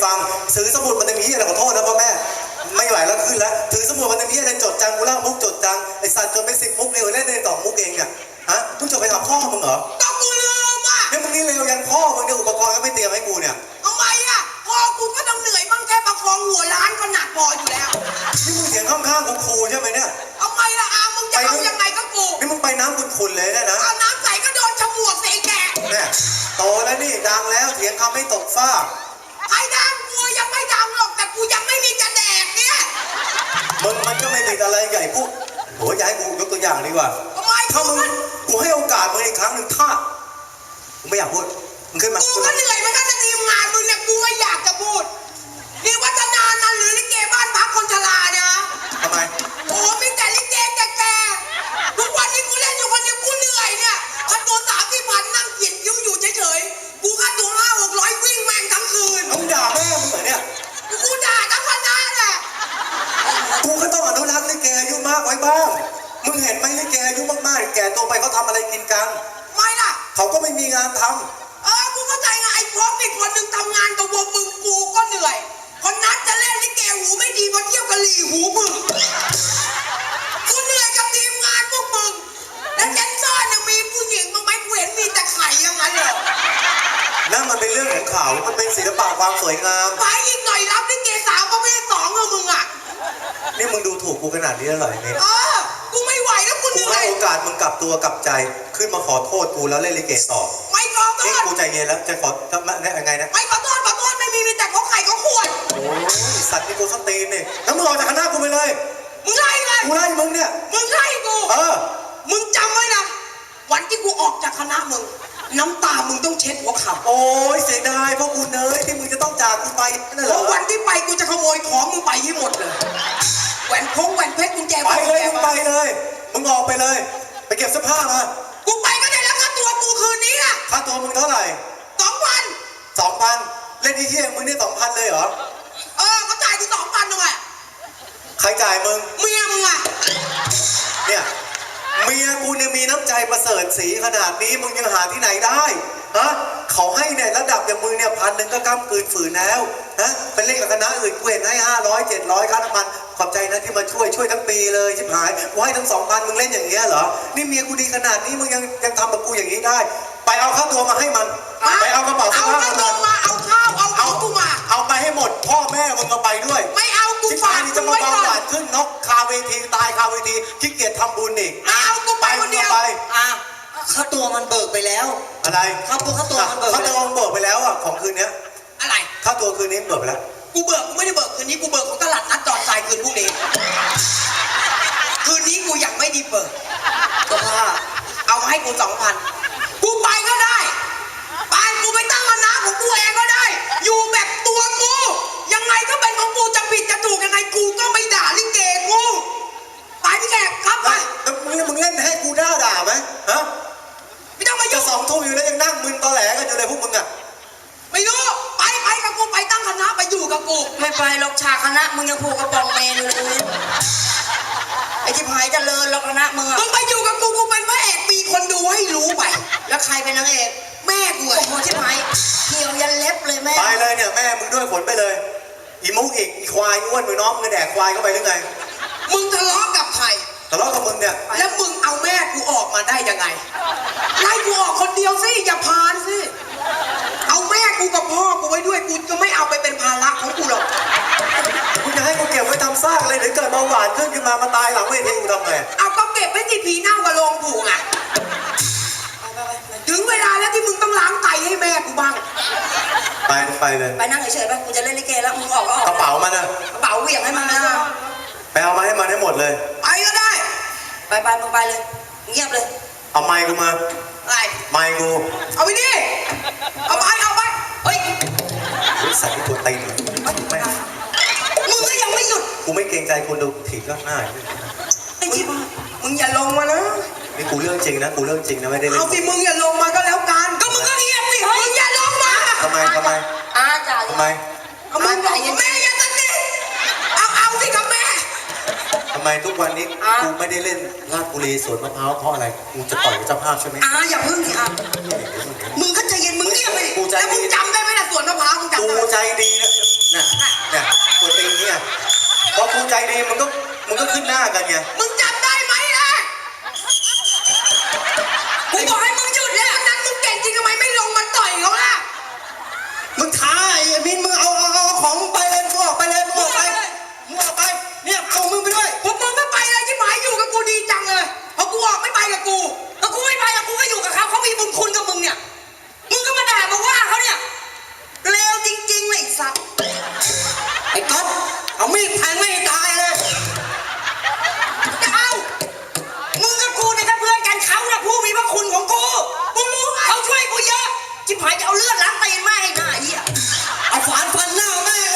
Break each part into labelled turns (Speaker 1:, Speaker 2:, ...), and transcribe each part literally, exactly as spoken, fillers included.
Speaker 1: ฟังซื้อสมุดมันจะมีอะไรขอโทษนะพ่อแม่ไม่ไหวแล้วขึ้นแล้วถือสมุดมันจะมีอะไรจดจังกูเล่ามุกจดจังไอสัตว์จนไปสิบมุกเร็วเล่นในต่อมุกเองเนี่ยฮะมึงจดไปกับพ่อมึงเหรอ
Speaker 2: ต้องกูลืมอ่ะ
Speaker 1: เนี่ยมึงนี่เร็วยันพ่อมึงเนี่ยอุปกรณ์ก็ไม่เตรียมให้กูเนี่ย
Speaker 2: ทำไมอ่ะพ่อกูก็ต้องเหนื่อยบ้างแค่ประคองหัวล้านก็หนักพออยู่แล้ว
Speaker 1: นี่มึงเสียงข้างๆกูครูใช่ไหมเนี่ย
Speaker 2: ทำไมล่ะอามึงจะเอายังไงก็กู
Speaker 1: นี่มึงไปน้ำขุ่นๆเลยนะนะ
Speaker 2: เอาน้ำใส่ก็โดนฉมวกใส่แก
Speaker 1: เนี่ยโตแล้วนี่ดังแล้วเถียงคำไม่ตกฟ้า
Speaker 2: ไอ้ดังกูยังไม่ดังหรอกแต่กูยังไม่มีจะแดกเนี่ย
Speaker 1: มึงมันก็ไม่ติดอะไรใหญ่พวกโหย้ายกูยกตัวอย่างดีกว่า
Speaker 2: ทำไม
Speaker 1: ถ้ามึงกูให้โอกาสมึงอีกครั้งหนึ่งถ้ากูไม่อยากพูดมึงขึ้นมา
Speaker 2: กูก็เหนื่อยมันก็จะทีมงานมึงเนี่ยกูไม่อยากจะพูดนี่วัฒนานันหรือลิเกบ้านพักคนชราเนี่ย
Speaker 1: ทำไม
Speaker 2: โอ้มีแต่ลิเกแก่ๆทุกวันนี้กูเล่นอยู่คนเดียวกูเหนื่อยเนี่ยคันตัวสามที่พันนั่งเขียนคิ้วอยู่เฉยๆกูคันตัวห้าหกร้อยวิ่งแม่งทั้งคืน
Speaker 1: มึงด่าแม่มึงเหรอเนี่ย
Speaker 2: กูด่าทั้งวันนั้นแหละ
Speaker 1: กูก็ต้องอนุรักษ์ลิเกอายุมากไว้บ้างมึงเห็นไหมลิเกอายุมากๆแก่ตัวไปเขาทำอะไรกินกัน
Speaker 2: ไม่ล่ะ
Speaker 1: เขาก็ไม่มีงานทำ
Speaker 2: เออกูเข้าใจไงไอ้พวกอีกคนหนึ่งทำงานกับวงมึงกูก็เหนื่อยคนนัดจะเล่นลิเกหูไม่ดีมาเที่ยวกะหรี่หูมึงกูเหนื่อยกับทีมงานพวกมึงแล้วแดนเซอร์เนี่ยมีผู้หญิงบ้างไหมกูเห็นมีแต่ไข่ยังไงเหรอ
Speaker 1: นั่นมันเป็นเรื่องของเขามันเป็นศิลปะความสวยงาม
Speaker 2: ไปอีกหน่อยรับลิเกสาวประเภทสองเหรอมึงอ่ะ
Speaker 1: นี่มึงดูถูกกูขนาดนี้แล้วเหรอเนี่ย
Speaker 2: เออกูไม่ไหวแล้วกูเหนื่อย
Speaker 1: กูให้โอกาสมึงกลับตัวกลับใจขึ้นมาขอโทษกูแล้วเล่นลิเกต่อ
Speaker 2: ไม่ขอโทษ
Speaker 1: นี่กูใจเย็นแล้วจะขอทำยังไงนะ
Speaker 2: ไม่ขอโทษขอโทษไม่มีมีแต่เขาไข่เขาขวด
Speaker 1: โอ้ยสัตว์นี่กูสตีนเนี่ยแล้วมึงออกจากคณะกูไปเลย
Speaker 2: มึงไล่เลย
Speaker 1: กูไล่มึงเนี่ย
Speaker 2: มึงไล่กู
Speaker 1: เออ
Speaker 2: มึงจำไว้นะวันที่กูออกจากคณะมึงน้ำตามึงต้องเช็ดหัวเข่า
Speaker 1: โอ้ยเสียดายเพราะกูเนยที่มึงจะต้องจากกูไปนั่นเหรอ
Speaker 2: วันที่ไปกูจะขโมยของมึงไปให้หมดเลยแหวนพงแหวนเพชรกุญแจ
Speaker 1: ไปเลยมึงไปเลยมึงออกไปเลยไปเก็บเสื้อผ้ามา
Speaker 2: กูไปก็ได้แล้วค่าตัวกูคืนนี้อะ
Speaker 1: ค่าตัวมึงเท่าไหร่
Speaker 2: สองพัน
Speaker 1: สองพันเล่นที่เที่ยงมึงนี่สองพันเลยเหรอ
Speaker 2: เออเขาจ่ายกูสองพันหน่อย
Speaker 1: ใครจ่ายมึง
Speaker 2: เมียมึงอะ
Speaker 1: เนี่ยเมียกูเนี่ยมีน้ำใจประเสริฐสีขนาดนี้มึงยังหาที่ไหนได้ฮะเขาให้เนี่ยระดับอย่างมึงเนี่ยพันหนึ่งก็ก้ำกืนฝืนแล้วนะไปเล่นกับคณะอื่นกูเห็นให้ห้าร้อยเจ็ดร้อยค่าน้ำมันขอบใจนะที่มาช่วยช่วยทั้งปีเลยชิบหายกูให้ทั้งสองพันมึงเล่นอย่างเงี้ยเหรอนี่เมียกูดีขนาดนี้มึงยังยังทำกับกูอย่างนี้ได้ไปเอาค่าตัวมาให้มันไปเอากระเป๋าเสื้อผ้า
Speaker 2: มาเอาข้าวเอาเอากูมา
Speaker 1: เอาไปให้หมดพ่อแม่มึงเอาไปด้วย
Speaker 2: ไม่เอากู
Speaker 1: ฝากนี่จะมาเบาหวานขึ้นนกคาเวทีตายคาเวทีขี้เกียจทำบุญอีก
Speaker 2: ไม่เอากูไปคนเดียว
Speaker 3: อ่ะค่าตัวมันเบิกไปแล้ว
Speaker 1: อะไร
Speaker 3: ค่าตัวค่าตัวมันเบิก
Speaker 1: ค่าตัวมันเบิกไปแล้วอ่ะของคืนนี้
Speaker 2: อะไร
Speaker 1: ค่าตัวคืนนี้เบิกไปแล้ว
Speaker 2: กูเบิกกูไม่ได้เบิกคืนนี้กูเบิกของตลาดนัดจอดทรายคืนพรุ่งนี้คืนนี้กูยังไม่ได้เบิก
Speaker 3: ก็ว่า
Speaker 2: เอามาให้กูสองพันกูไปก็ได้ไปกูไปตั้งคณะของกูเองก็ได้อยู่แบบตัวกูยังไงก็เป็นของกูจะผิดจะถูกยังไงกูก็ไม่ด่าลิเกกูไปพี่แขกครับไป
Speaker 1: มึงมึงเล่นให้กูด่าด่าไหมฮะ
Speaker 2: ไม่ต้องมายุ่
Speaker 1: งจะสองทุ่มอยู่แล้วยังนั่งมึนตอแหลกันอยู่เลยพวกมึงอ่ะ
Speaker 2: ไม่รู้ไปไปกับกูไปตั้งคณะไปอยู่กับกู
Speaker 3: ไม่ไปหรอกฉากคณะมึงยังผูกกระป๋องเมนเลยไอ้ที่พายจะเลินแล้วคณะมึง
Speaker 2: มึงไปอยู่กับกูกูเป็นพระเอกมีคนดูให้รู้ไป
Speaker 3: แล้วใครเป็นนางเอก
Speaker 2: แม่กู
Speaker 3: โอ้โหที่พายเขียวยันเล็บเลยแม่
Speaker 1: ไปเลยเนี่ยแม่มึงด้วยขนไปเลยอีมุกอีกอีควายอ้วนมือน้องมึงแดกควายเข้าไปหรือไง
Speaker 2: มึงทะเลาะกับใคร
Speaker 1: ทะเลาะกับมึงเนี่ย
Speaker 2: แล้วมึงเอาแม่กูออกมาได้ยังไงไล่กูออกคนเดียวสิอย่าพานสิเอาแม่กูกับพ่อกูไว้ด้วยกูจะไม่เอาไปเป็นภาระของกูหรอก
Speaker 1: กูจะให้กูเก็บไว้ทำซากเลยหรือเกิดเบาหวานขึ้นขึ้นมามาตายหลังเวทีกูทำไง
Speaker 2: เอาก็เก็บไว้ที่ผีเน่ากับโรงผูกอ่ะถึงเวลาแล้วที่มึงต้องล้างไตให้แม่กูบ้าง
Speaker 1: ไปไปเลย
Speaker 3: ไปนั่งเฉยๆไปกูจะเล่นลิเกแล้วมึงออกก็ออก
Speaker 1: กระเป๋ามันนะ
Speaker 3: กระเป๋าเหวี่ยงให้มันนะ
Speaker 1: ไปเอามาให้มันให้หมดเลย
Speaker 2: ไปก็ได้
Speaker 3: ไปไปมึงไปเลยเงียบเลย
Speaker 1: เอาไมค์กูมา
Speaker 2: อะไร
Speaker 1: ไมค์กู
Speaker 2: เอาไปดิเอาไปเอาไปเฮ้ย
Speaker 1: ใส่ตัวตีนแม่
Speaker 2: มึงก็ยังไม่หยุด
Speaker 1: กูไม่เกรงใจคนดูถีบก็ง่าย
Speaker 2: ไอ้ที่มึงอย่าลงมานะ
Speaker 1: นี่กูเรื่องจริงนะกูเรื่องจริงนะไม่ได้เล่น
Speaker 2: เอาสิมึงอย่าลงมาก็แล้วกันก็มึงก็เงียบสิมึงอย่าลงมา
Speaker 1: ทำไมทำไม
Speaker 3: อาจ่า
Speaker 1: ทำไม
Speaker 2: เอามึงบอกแม่อย่าตัดสิเอาเอาสิกับแม่
Speaker 1: ทำไมทุกวันนี้กูไม่ได้เล่นลาดบุรีสวนมะพร้าวเพราะอะไรกูจะต่อยเจ้าภาพใช่ไหม
Speaker 2: อาอย่าพึ่งสิอามึงก็ใจเย็นมึงเงียบไปแล้วมึงจำได้ไหมล่ะสวนมะพร้าวมึงจำได้
Speaker 1: กูใจดีนะเนี่ยเนี่ยตัวตีนเนี่ยพอกูใจดีมึงก็มึงก็ขึ้นหน้ากันไง
Speaker 2: มึงจำได้ไหมล่ะกูบอกให้มึงหยุดแล้วนั้นมึงเก่งจริงทำไมไม่ลงมาต่อยเขาล่ะ
Speaker 1: มึงท้าไอ้มินมึงเอาเอาเอาของไปเลยมึงออกไปเลยมึงออกไปมึงออกไปเนี่ยเอามึงไปด้วย
Speaker 2: พวกมึงไม่ไปเลยที่หมายอยู่กับกูดีจังเลยพอกูออกไม่ไปกับกูแล้วกูไม่ไปกับกูก็อยู่กับเขาเขามีบุญคุณกับมึงเนี่ยมึงก็มาด่ามาว่าเขาเนี่ยเลวจริงๆเลยไอ้สัตว์
Speaker 3: ไอ้ก๊อฟเอามีดแทงไม่ให้ตายเลย
Speaker 2: จะเอามึงกับกูเนี่ยถ้าเพื่อนกันเขาน่ะผู้มีพระคุณของกูมึงรู้ไหมเขาช่วยกูเยอะจิบหายจะเอาเลือดล้างตีนแม่ให้หน้าเหี้ย
Speaker 3: เอาฝานฟันหน้าแม่เลย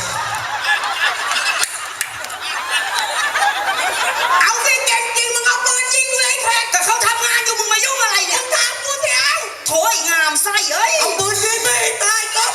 Speaker 2: เอาสิเก่งจริงมึงเอาปืนยิงเลยแขกแต่เขาทำงานอยู่มึงมายุ่งอะไรเนี่ยมึงตามกูเสียวโถยงามไส้เอ้ย
Speaker 3: เอาปืนยิงไม่ให้ตายก๊อฟ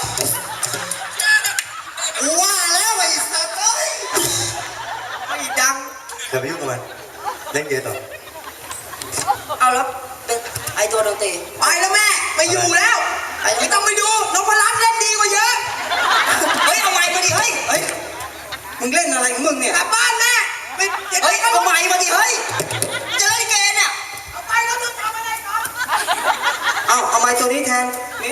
Speaker 3: กูว่าแล้วไอ้สัตว์เอ้ย
Speaker 2: ไม่ดัง
Speaker 1: อย่าไปยุ่งกับมันเล่นเกมต่อ
Speaker 3: เอาแล้วเป็นไอ้ตัวดนตรี
Speaker 2: ไปแล้วแม่ไม่อยู่แล้วไม่ต้องไปดูนพรัตน์เล่นดีกว่าเยอะ
Speaker 3: เฮ้ยเอาไม้มาดิเฮ้ยเฮ้ยมึงเล่นอะไรของมึงเนี่ย
Speaker 2: กลับบ้านแม่ไปจะ
Speaker 3: เฮ้ย
Speaker 2: เอา
Speaker 3: เอาไม้มาดิเฮ้ยจะเล่นเกมเนี่ย
Speaker 2: เอาไปแล้วมึงทำอะไรก่อน
Speaker 3: เอาเอาไม้ตัวนี้แทนนี่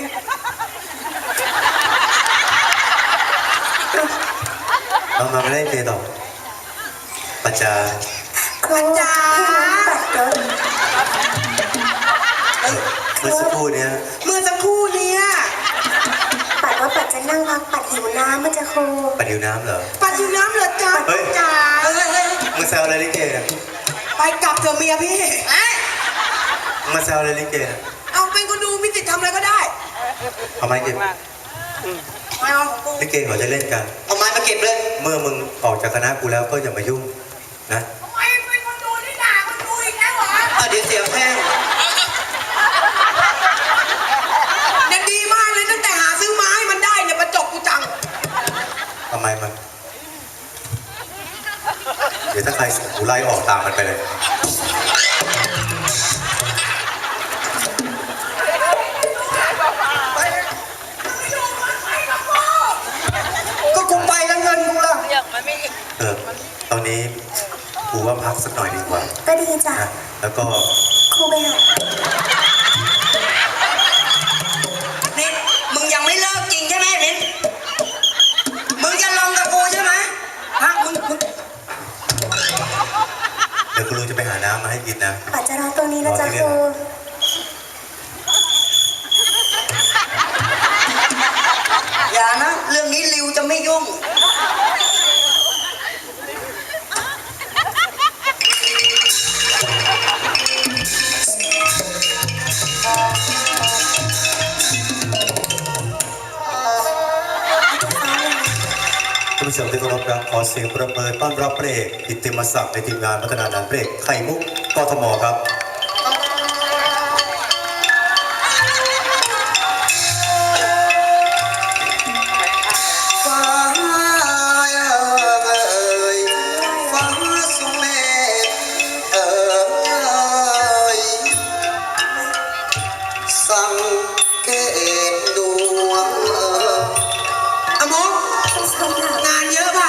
Speaker 1: เอามาเล่นเกมต่อปัจจา
Speaker 2: อาจารย์
Speaker 1: เมื่อสักครู่เนี้ย
Speaker 2: เมื่อสักครู่เนี่ย
Speaker 4: ปัดว่าปัดจะนั่งพักปัดหิวน้ำมันจะครู
Speaker 1: ปัดหิวน้ำเหรอ
Speaker 2: ปัดอยู่น้ำเหรอจ๊ะ
Speaker 1: เฮ้ย
Speaker 2: จ๋าเฮ้ยเฮ้ย
Speaker 1: มึงแซวอะไรลิเกเนี่ย
Speaker 2: ไปกลับเถอะเมียพี่เอ๊ะ
Speaker 1: มึงมาแซวอะไรลิเกเนี่ย
Speaker 2: เอาเป็นคนดูมิติทำอะไรก็ได้
Speaker 1: เอาไม้เก็บ
Speaker 2: ไม่เอาของกู
Speaker 1: ลิเกเขาจะเล่นกัน
Speaker 3: เอาไม้มาเก็บเลย
Speaker 1: เมื่อมึงออกจากคณะกูแล้วก็อย่ามายุ่งนะ
Speaker 2: ทำไมเป็นคนดูที่ด่าคนดูอีกแล้วเหรอ
Speaker 3: อ่ะเดี๋ยวเสียงแห้ง
Speaker 2: เนี่ยดีมากเลยตั้งแต่หาซื้อไม้มันได้เนี่ยประจบกูจัง
Speaker 1: ทำไมมัน เดี๋ยวถ้าใครส่งกูไล่ออกตามมันไปเลย
Speaker 3: ก็กูไปแล้วเงินกูล่ะ
Speaker 1: เออ ตอนนี้กูว่าพักสักหน่อยดีกว่า
Speaker 4: ก็ดีจ้ะ
Speaker 1: นะ แล้วก็
Speaker 4: ครูไปหา
Speaker 3: นิดมึงยังไม่เลิกจริงใช่ไหมนิดมึงจะลองกับกูใช่ไหมฮะมึงมึง
Speaker 1: เดี๋ยวกูรู้จะไปหาน้ำมาให้กินนะ
Speaker 4: ปัดจะรอตรงนี้นะจ๊ะครู
Speaker 3: อย่านะ เรื่องนี้ริวจะไม่ยุ่ง
Speaker 1: ท่านผู้ชมที่เคารพครับขอเสียงประเมินต้อนรับพระเอกกิตติมศักดิ์ในทีมงานพัฒนาหนังพระเอกไข่มุกกทมครับ
Speaker 3: ฟ้าเอ่ยฟ้าสุเมธเอ่ยสังเกตดวงเอ่ย
Speaker 2: อะมง
Speaker 4: ไม่ใช่ค่ะ
Speaker 2: งานเยอะป่ะ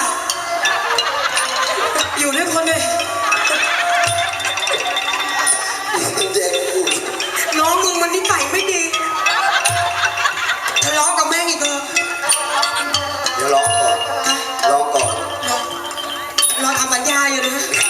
Speaker 2: อยู่ด้วยคนเลย
Speaker 3: เด็กผู้
Speaker 2: น้องมึงมันนิสัยไม่ดีทะเลาะกับแม่งอีกเหรอ
Speaker 3: เดี๋ยวร้องก่อนร้องก่อน
Speaker 2: น้องรอทำสัญญาอยู่นะ